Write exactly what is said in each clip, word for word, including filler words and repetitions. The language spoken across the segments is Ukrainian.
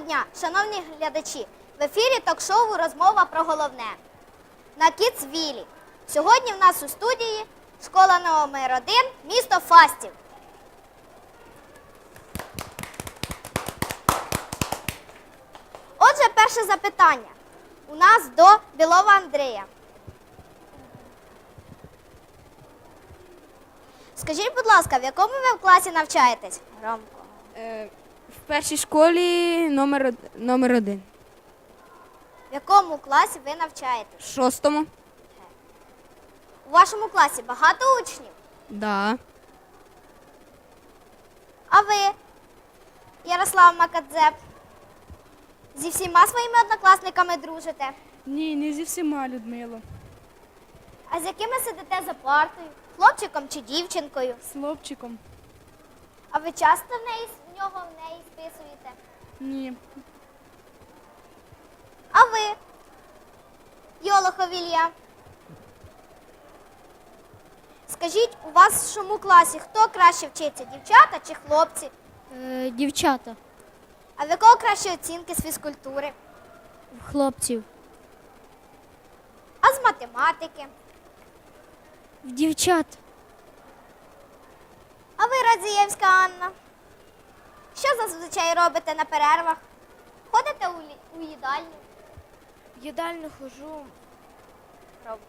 дня, шановні глядачі! В ефірі ток-шоу «Розмова про головне» на Кідсвілі. Сьогодні в нас у студії школа номер один, місто Фастів. Отже, перше запитання у нас до Білова Андрія. Скажіть, будь ласка, в якому ви в класі навчаєтесь? Громко. Е, в першій школі номер, од- номер один. В якому класі ви навчаєтесь? В шостому? У вашому класі багато учнів? Да. А ви, Ярослав Макадзеп, зі всіма своїми однокласниками дружите? Ні, не зі всіма, Людмило. А з якими сидите за партою? Хлопчиком чи дівчинкою? З хлопчиком? А ви часто в неї, в нього в неї списуєте? Ні. А ви, Йолохов Ілля? Скажіть, у вашому класі хто краще вчиться, дівчата чи хлопці? Е, дівчата, А в якого кращі оцінки з фізкультури? хлопців, А з математики? в дівчат, А ви, Радзієвська Анна? Що зазвичай робите на перервах? Ходите у, лі- у їдальню? в їдальню хожу, Робка.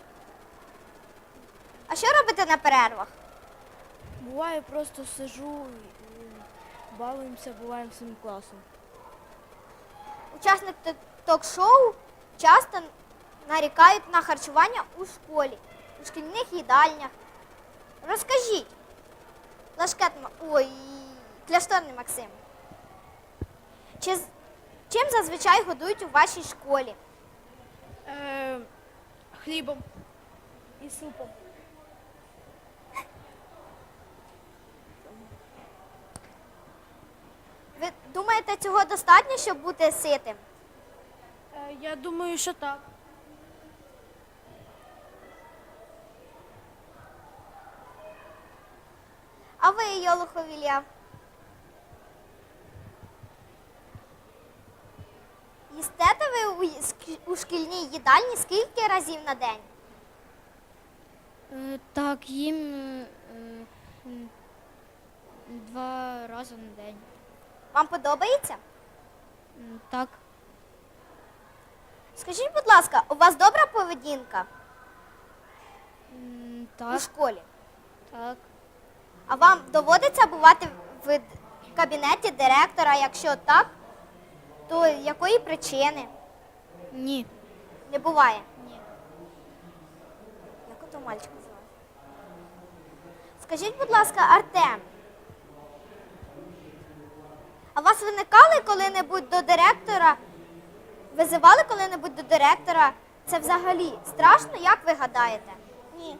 А що робите на перервах? буває просто сижу, балуємося, буваємо своїм класом. Учасники т- ток-шоу часто нарікають на харчування у школі, у шкільних їдальнях. Розкажіть, Лашкет, Ма- ой, Кляшторний Максим, чи, з- чим зазвичай годують у вашій школі? Е, хлібом і супом. Ви думаєте, цього достатньо, щоб бути ситим? Е, я думаю, що так. А ви, Йолохов Ілля? Їстете ви у, ї- ск- у шкільній їдальні скільки разів на день? Е, так, їм е, м, два рази на день. Вам подобається? М, Так, Скажіть, будь ласка, у вас добра поведінка м, у так, школі? так. А вам доводиться бувати в д- кабінеті директора? Якщо так, то якої причини? Ні. Не буває. Ні. Як ото мальчика звати? Скажіть, будь ласка, Артем, а вас виникали коли-небудь до директора? Визивали коли-небудь до директора? Це взагалі страшно, як ви гадаєте? Ні.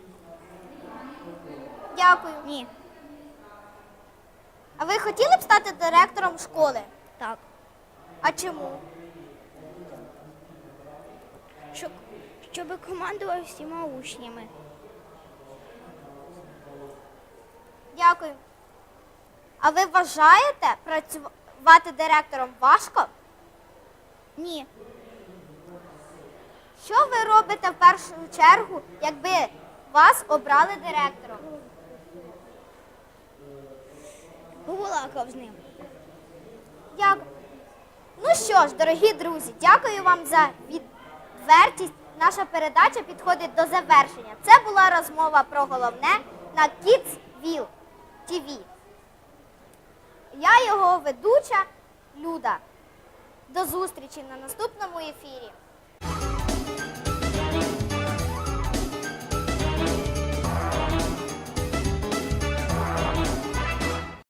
Дякую. Ні. А ви хотіли б стати директором школи? Так. А чому? Щоб, щоб командував всіма учнями. Дякую. А ви вважаєте працювати директором важко? Ні. Що ви робите в першу чергу, якби вас обрали директором? Побалакав з ним. Дякую. Ну що ж, дорогі друзі, дякую вам за відвертість. Наша передача підходить до завершення. Це була розмова про головне на Кідсвіл ті ві. Я його ведуча Люда. До зустрічі на наступному ефірі.